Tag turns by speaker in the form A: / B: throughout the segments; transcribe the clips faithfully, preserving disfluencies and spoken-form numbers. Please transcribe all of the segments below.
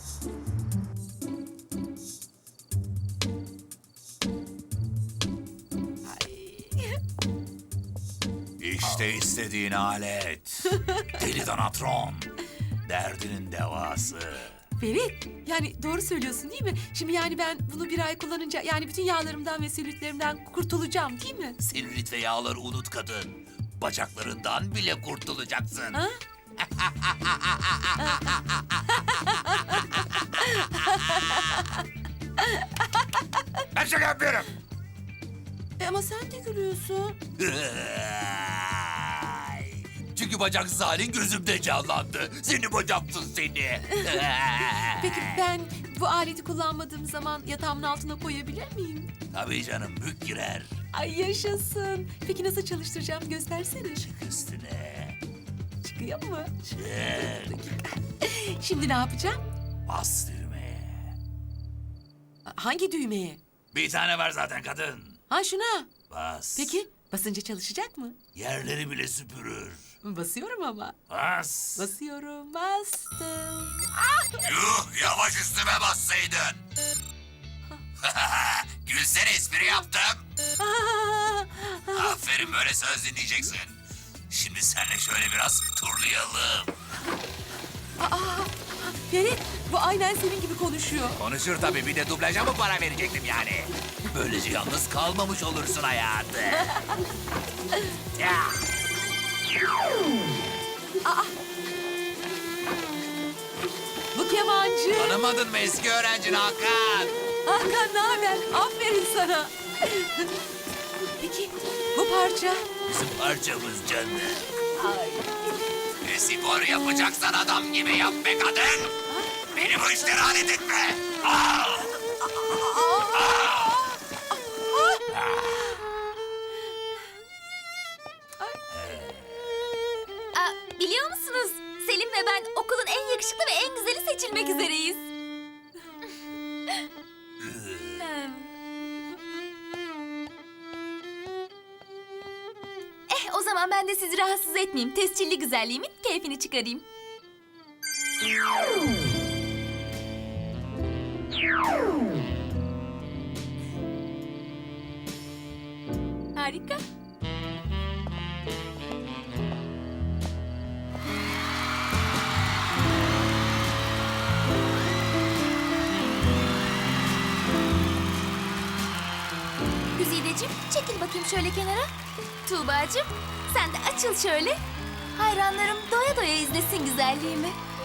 A: İşte istediğin alet. Deli Donatron. Derdinin devası.
B: Ferit, yani doğru söylüyorsun değil mi? Şimdi yani ben bunu bir ay kullanınca yani bütün yağlarımdan ve selülitlerimden kurtulacağım değil mi?
A: Selülit ve yağları unut kadın. Bacaklarından bile kurtulacaksın.
B: Ha?
A: Ben şaka yapıyorum.
B: E ama sen de gülüyorsun.
A: Çünkü bacaksız halin gözümde canlandı. Seni bacaksız seni.
B: Peki ben bu aleti kullanmadığım zaman yatağımın altına koyabilir miyim?
A: Tabii canım, bük girer.
B: Ay yaşasın. Peki nasıl çalıştıracağım göstersene.
A: Çık üstüne.
B: Çıkıyor mu?
A: Çık.
B: Şimdi ne yapacağım?
A: Bas düğmeye.
B: Hangi düğmeye?
A: Bir tane var zaten kadın.
B: Ha şuna.
A: Bas.
B: Peki basınca çalışacak mı?
A: Yerleri bile süpürür.
B: Basıyorum ama.
A: Bas.
B: Basıyorum, bastım.
A: Yuh, yavaş üstüme bassaydın. Gülsene, espri yaptım. Aferin, böyle söz dinleyeceksin. Şimdi seninle şöyle biraz turlayalım.
B: Ferit, bu aynen senin gibi konuşuyor.
A: Konuşur tabii, bir de dublaja mı para verecektim yani? Böylece yalnız kalmamış olursun hayatı. Ya.
B: Bu kemancı.
A: Tanımadın mı eski öğrencin Hakan?
B: Hakan ne haber? Aferin sana. Peki bu parça?
A: Bizim parçamız canım.
B: Ay.
A: E, spor yapacaksan adam gibi yap be kadın. Beni bu işlere alet etme. Al.
C: Aa, biliyor musunuz? Selim ve ben okulun en yakışıklı ve en güzeli seçilmek üzereyiz. Eh, o zaman ben de sizi rahatsız etmeyeyim. Tescilli güzelliğimin keyfini çıkarayım. Harika. Güzideciğim, çekil bakayım şöyle kenara. Tuğbacığım, sen de açıl şöyle. Hayranlarım doya doya izlesin güzelliğimi.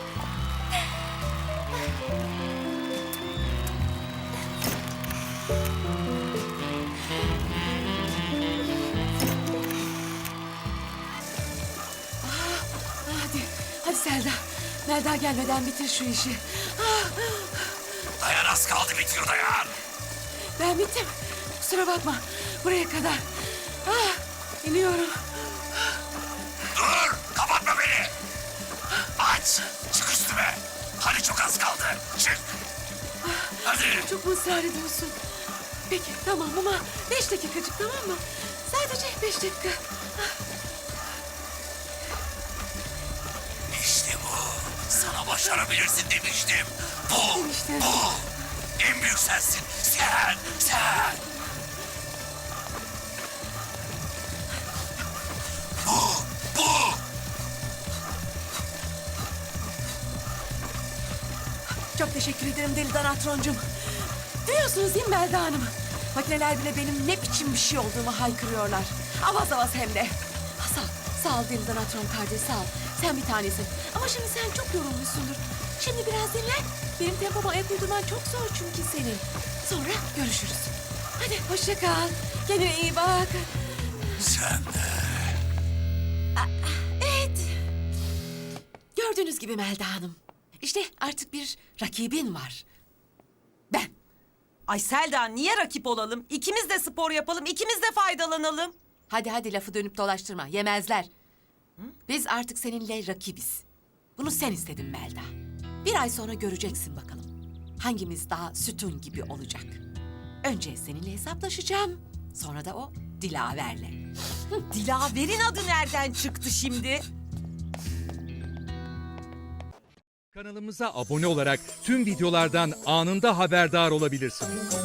B: Hadi, hadi Selda. Melda gelmeden bitir şu işi. Ah,
A: Dayan, az kaldı, bitiyor dayan.
B: ben bittim. Kusura bakma. Buraya kadar. Ah, iniyorum.
A: Dur, kapatma beni. Aç, çık üstüme. Hadi çok az kaldı, çık. Hadi.
B: Çok mu ısrar ediyorsun? Peki tamam ama beş dakikacık, tamam mı? Sadece beş dakika.
A: İşte bu. Sana başarabilirsin demiştim. Bu,
B: Demiştin.
A: bu. En büyük sensin. Sen, sen. Bu, bu.
B: Çok teşekkür ederim Deli Danatroncum. Duyuyorsunuz değil mi Melda Hanım? Makineler bile benim ne biçim bir şey olduğumu haykırıyorlar. Avaz avaz hem de. Ha, sağ ol, sağ ol Deli Danatron kardeş, sağ ol. Sen bir tanesin. Ama şimdi sen çok yorulmuşsundur. Şimdi biraz dinlen. Benim tempoma ayak uydurman çok zor çünkü senin. Sonra görüşürüz. Hadi hoşça kal. Kendine iyi bak.
A: Sen de.
B: Evet. Gördüğünüz gibi Melda Hanım. İşte artık bir rakibin var. Ben.
D: Ay Selda, niye rakip olalım? İkimiz de spor yapalım, ikimiz de faydalanalım.
B: Hadi hadi lafı dönüp dolaştırma. Yemezler. Biz artık seninle rakibiz. Bunu sen istedin Melda. Bir ay sonra göreceksin bakalım. Hangimiz daha sütun gibi olacak. Önce seninle hesaplaşacağım. Sonra da o Dilaver'le.
D: Dilaver'in adı nereden çıktı şimdi?
E: Kanalımıza abone olarak tüm videolardan anında haberdar olabilirsiniz.